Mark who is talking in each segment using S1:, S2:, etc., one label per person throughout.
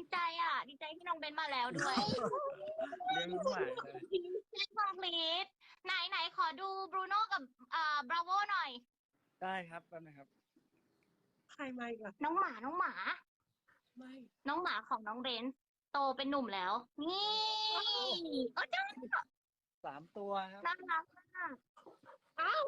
S1: ใจอ่ะดีใจที่น้องเบนมาแล้วด้วย
S2: เลี้ยงน้องหมาเลย
S1: เล่นคอมพลีทไหนขอดูบรูโน่กับบราโวหน่อย
S2: ได้ครับแป๊บนะครับ
S3: ใครมาอีกล่ะ
S1: น้องหมา
S3: ไม่
S1: น้องหมาของน้องเบนโตเป็นหนุ่มแล้ว นี่เออจ้า
S2: 3 ตัวครับ
S1: น่ารักมากอ้าว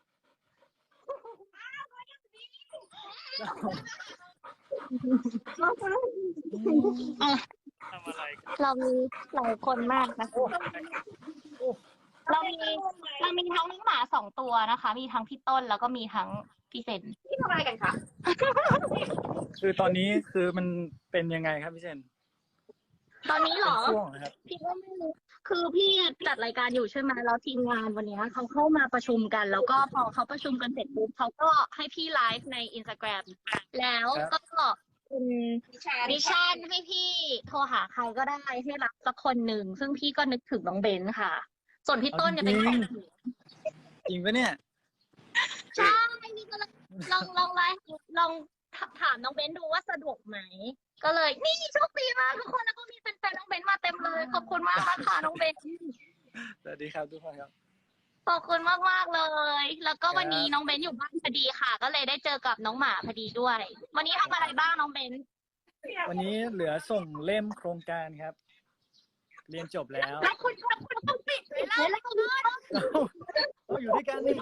S2: ทำอะไรกัน
S1: เรามีหลายคนมากนะเรามีทั้งน้องหมา2 ตัวนะคะ มีทั้งพี่ต้นแล้วก็มีทั้งพี่เซนพี่ทำอะไรกันคะ
S2: คือตอนนี้คือมันเป็นยังไงครับพี่เจน
S1: ตอนนี้เหรอ
S2: ช่วงนะครับ
S1: พี่ก็ไม่รู้คือพี่จัดรายการอยู่ใช่ไหมแล้วทีมงานวันนี้เขาเข้ามาประชุมกัน แล้วก็พอเขาประชุมกันเสร็จปุ๊บเขาก็ให้พี่ไลฟ์ใน Instagram แล้วก็เป็นมิชชั่นให้พี่โทรหาใครก็ได้ให้รับสักคนหนึ่งซึ่งพี่ก็นึกถึงน้องเบนค่ะ ส่วนพี่ต้นเนี่ยเป็นของ
S2: จริงปะเนี่ย
S1: ใช่พี่ก็ลองไลฟ์ลองถามน้องเบนดูว่าสะดวกไหมก็เลยนี่โชคดีมากทุกคนแล้วก็มีแฟนๆน้องเบนมาเต็มเลยขอบคุณมากค่ะน้องเบน
S2: สวัสดีครับทุกคนครับ
S1: ขอบคุณมากๆเลย แล้วก็วันนี้น้องเบนอยู่บ้านพอดีค่ะ ก็เลยได้เจอกับน้องหมาพอดีด้วย วันนี้ทำอะไรบ้างน้องเบน
S2: วันนี้เหลือส่งเล่มโครงการครับ เรียนจบแล้ว
S1: แล้วคุณต้องปิดเลยแล้ว
S2: เราอยู่ด้วยกันนี่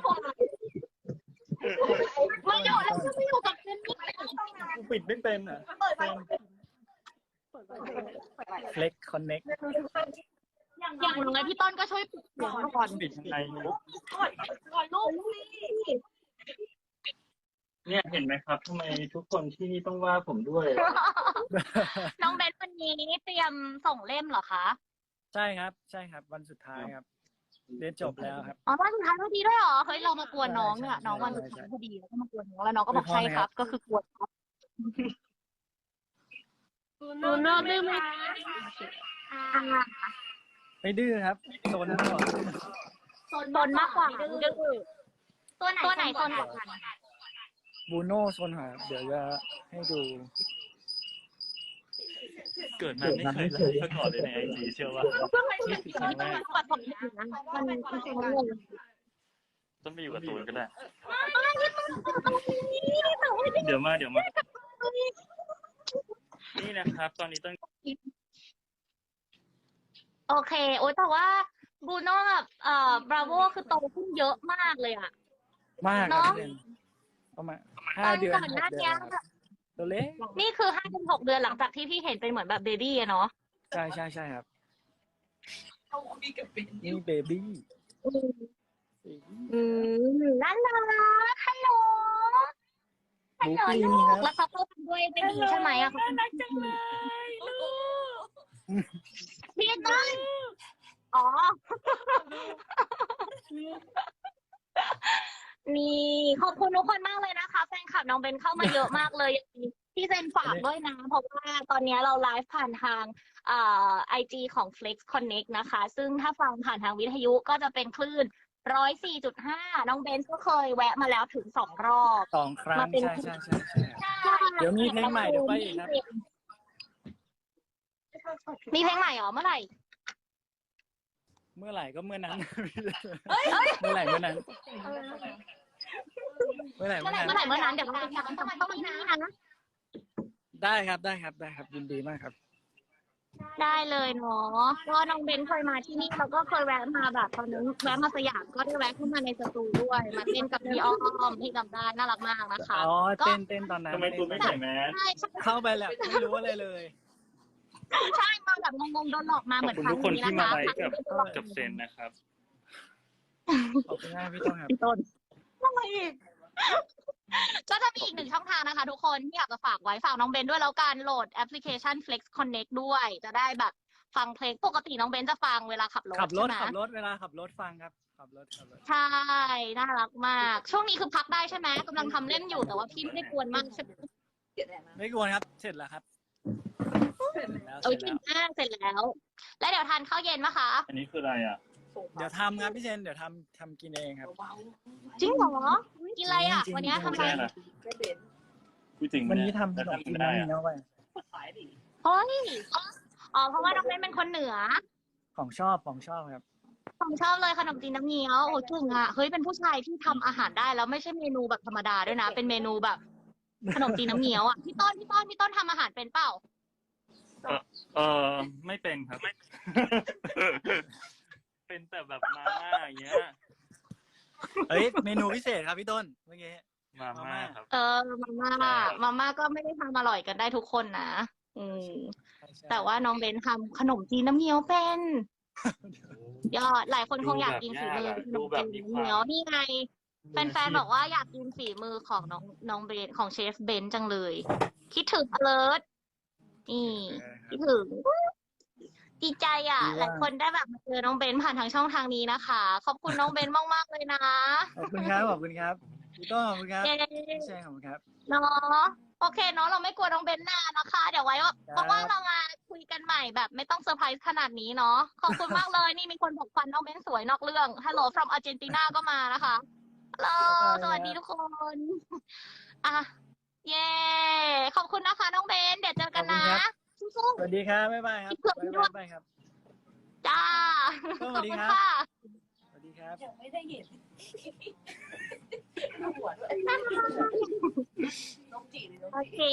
S1: มาอยู่แล้วก็ไม่อยู่กับเบนนี่
S2: กูปิดไม่เป็นอ่ะเฟล็กคอนเน็ก
S1: อย่างน้อยพี่ต้นก็ช่วยปิดเสียงก่อน
S2: ปิดยังไงไม่รู้
S1: ก่อนลูกสิ
S4: เนี่ยเห็นไหมครับทำไมทุกคนที่นี่ต้องว่าผมด้วย
S1: น้องเบนวันนี้เตรียมส่งเล่มเหรอคะ
S2: ใช่ครับวันสุดท้ายครับ เรียนจบแล้วครับ
S1: อ๋อวันสุดท้ายพอดีด้วยเหรอเฮ้ยเรามากวนน้องเนี่ยน้องวันสุดท้ายพอดีแล้วก็มากวนน้องแล้วน้องก็บอกใช่ครับ ก็คือกวนครับ
S3: ดูโน่ดื้อไหม
S2: ไม่ดื้อครับโซนนั้นก่อน
S1: โซนมากกว่าดื้อตัวไหนโซนกว่ากัน
S2: บูโน่โซนหาเดี๋ยวจะให้ดู
S4: เกิดมาไม่เคยไลฟ์มาก่อนเลยในไอจีเชื่อว่านี่คือครั้งแรก ต้องไปอยู่กับตูนก็ได้ เดี๋ยวมานี่นะครับ ตอนนี้ต้อง
S1: โอเคโอ๊ยแต่ว่าบูโน่กับบราโวคือโตขึ้นเยอะมากเลยอะ
S2: มากครับพี่เจนประมาณ5 เดือน
S1: ก่อนหน้า
S2: 6 เดื
S1: นี้
S2: อนครับตัวเล็ก
S1: นี่คือ5-6 เดือนหลังจากที่พี่เห็นเป็นเหมือนแบบเบบี้อะเนาะ
S2: ใช่ครับนี่เบบี้
S1: น่ารักฮัลโหล
S2: บูปี้
S1: ลู
S2: ค
S1: ก
S2: รับ
S1: แล้วเขาก็ทำด้วยไม่ดีใช่ไหมอะเขาน่ารักจังเลยลูกพี่ต้นอ๋อ นี่ขอบคุณทุกคนมากเลยนะคะแฟนคลับน้องเบนเข้ามาเยอะมากเลยพี่เซนฝากด้วยนะ เพราะว่าตอนนี้เราไลฟ์ผ่านทางIG ของ Flex Connect นะคะ ซึ่งถ้าฟังผ่านทางวิทยุก็จะเป็นคลื่น 104.5 น้องเบนก็เคยแวะมาแล้วถึง2 รอบ
S2: 2 ครั้ง
S1: มาเป็น
S2: ใช่เดี๋ยวมีเพลงใหม่เดี๋ยวไปอีกครับ
S1: มีเพลงใหม่เหรอเมื่อไหร่
S2: เมื่อไหร่ก็เมื่อนั้นเมื่อไหร่เมื่อนั้นเดี๋ยวเราจะต้องมาที่นี่นะ ได้ครับยินดีมากครับ
S1: ได้เลยเนาะก็น้องเบนเคยมาที่นี่แล้วก็เคยแวะมาแบบตอนนั้นแวะมาสยามก็ได้แวะเข้ามาในสตูด้วยมาเต้นกับพี่อ้อมที่จำได้น่ารักมากนะคะ
S2: อ๋อเต้นตอนนั้น
S4: ทำไมตูนไม่ใส่แมส
S1: ใช่
S2: เข้าไปแล้วไม่รู้อะไรเลย
S1: ใช่มาแบบงงๆโดนหลอกมา
S4: ข
S1: เห
S4: อบ
S1: มือน
S4: คุณ
S1: ครั้
S4: ทุ
S1: ง
S4: กคน
S1: นี้
S4: ที่
S1: นะ
S4: มา
S1: คะ
S4: ไลฟ์กับเซนนะครับ
S2: ขอบคุณมากพี่ต้นครับ
S1: พี่ต้นอะไรอีกก็จะมีอีก1 ช่องทางนะคะทุกคนที่อยากจะฝากไว้ฝากน้องเบนด้วยแล้วการโหลดแอปพลิเคชัน Flex Connect ด้วยจะได้แบบฟังเพลงปกติน้องเบนจะฟังเวลาขับรถ
S2: ขับรถ
S1: ใช่ไหม
S2: เวลาขับรถฟังครับขับรถ
S1: ใช่น่ารักมากช่วงนี้คือพักได้ใช่ไหมกำลังทำเล่มอยู่แต่ว่าพี่ไม่ได้กวนมากใช่ไหม
S2: ไม่กวนครับเสร็จแล้วครับ
S1: โอ้ยกินมากเสร็จแล้ว แล้วเดี๋ยวทานข้าวเย็นปะคะ
S4: อันนี้คืออะไรอ่ะ
S2: เดี๋ยวทำครับพี่เจนเดี๋ยวทำกินเองครับ
S1: จริงเหรอกินอะไรอ่ะ
S2: จริงๆ
S1: วันนี้ทำ
S4: ไม่
S1: อะไร
S4: ได้นะพูดจริง
S2: วันนี้
S4: เย
S2: ทำขนมจีน
S4: ไม่ได้
S2: น้ำเงี้ยวไป
S1: ขโอ้ยอ๋อเพราะว่าน้องเบนเป็นคนเหนือ
S2: ของชอบครับ
S1: ผมชอบเลยขนมจีนน้ำเงี้ยวโอ้เก่งอ่ะเฮ้ยเป็นผู้ชายที่ทำอาหารได้แล้วไม่ใช่เมนูแบบธรรมดาด้วยนะ เป็นเมนูแบบขนมจีนน้ำเงี้ยวอ่ะพี่ต้นทำอาหารเป็นเปล่า
S4: เออไม่เป็นครับ เป็นแต่แบบมาม่าอย่างเงี้ย
S2: เฮ้ยเมนูพิเศษครับพี่ต้นเมื่อกี้
S4: มาม่าครับ
S1: มาม่าก็ไม่ได้ทำอร่อยกันได้ทุกคนนะอืมแต่ว่าน้องเบนทำขนมจีนน้ำเงี้ยวเป็นยอดหลายคนคงอยากกินฝีมือขนมจีนน้ำเงี้ยวนี่ไงแฟนๆบอกว่าอยากกินฝีมือของน้องเบนของเชฟเบนจังเลย คิดถึงอเลิร์นี่คิดถึงดีใจอ่ะหลายคนได้แบบมาเจอน้องเบนผ่านทางช่องทางนี้นะคะ ขอบคุณน้องเบนมากๆเลยนะ
S2: ขอบคุณครับพี่ต้นขอบคุณครับ
S1: เย้
S2: พี่แชร์ขอบคุณครับ
S1: เนาะโอเคเนาะเราไม่กลัวน้องเบนนานนะคะ เดี๋ยวไว้ว่างๆเรามาคุยกันใหม่แบบไม่ต้องเซอร์ไพรส์ขนาดนี้เนาะขอบคุณมากเลยนี่มีคนบอกฟันน้องเบนสวยนอกเรื่อง Hello from Argentina ก็มานะคะฮัลโหลสวัสดีทุกคนอ่ะเย้ขอบคุณนะคะน้องเบนเดี๋ยวเจอกันนะสู้
S2: สวัสดีครับบ๊ายบายครับบ๊ายบายครับ
S1: ๆจ้า
S2: ส
S1: ข
S2: วั
S1: อบ
S2: สดี
S1: คุณ
S2: ครับ
S1: ค่ะ
S2: สวัสดีครับ
S5: ยังไม่ได้เห็นหัวด้วย
S1: โอ
S5: น้องจีหรือน้อง
S1: เค
S5: จี